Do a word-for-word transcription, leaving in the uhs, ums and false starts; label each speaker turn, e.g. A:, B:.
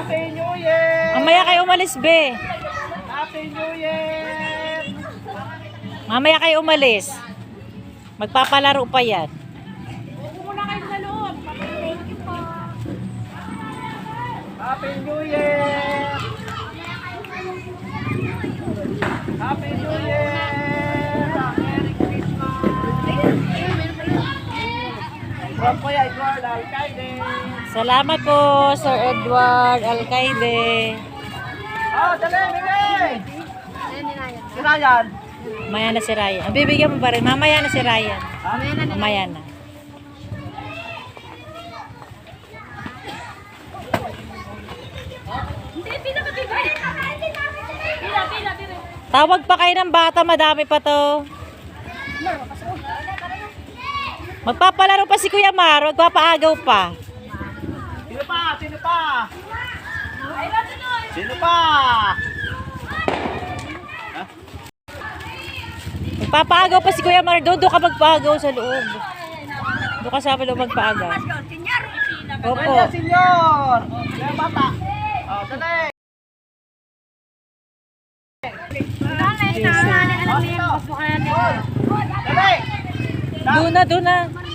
A: Happy New Year!
B: Mamaya kayo umalis, be.
A: Happy New Year!
B: Mamaya kayo umalis. Magpapalaro pa yan.
A: Happy New Year! Happy New Year! Merry Christmas! From Kuya Edward Alcaide.
B: Salamat po, Sir Edward Alcaide.
A: Oh, dali, bigay! Si Ryan.
B: Mamaya na si Ryan. Ang bibigyan mo ba rin? Mamaya na si Ryan. Mamaya na. Tawag pa kayo ng bata, madami pa to. Magpapalaro pa si Kuya Mar, magpapaagaw pa.
A: Sino pa? Sino pa? Sino pa?
B: Magpapaagaw pa si Kuya Mar, doon doon ka magpaagaw sa loob. Doon ka sa loob magpaagaw. Opo.
A: Ayan, senyor! Ayan, bata. Oh, dali! Dali!
B: Doon na, doon na.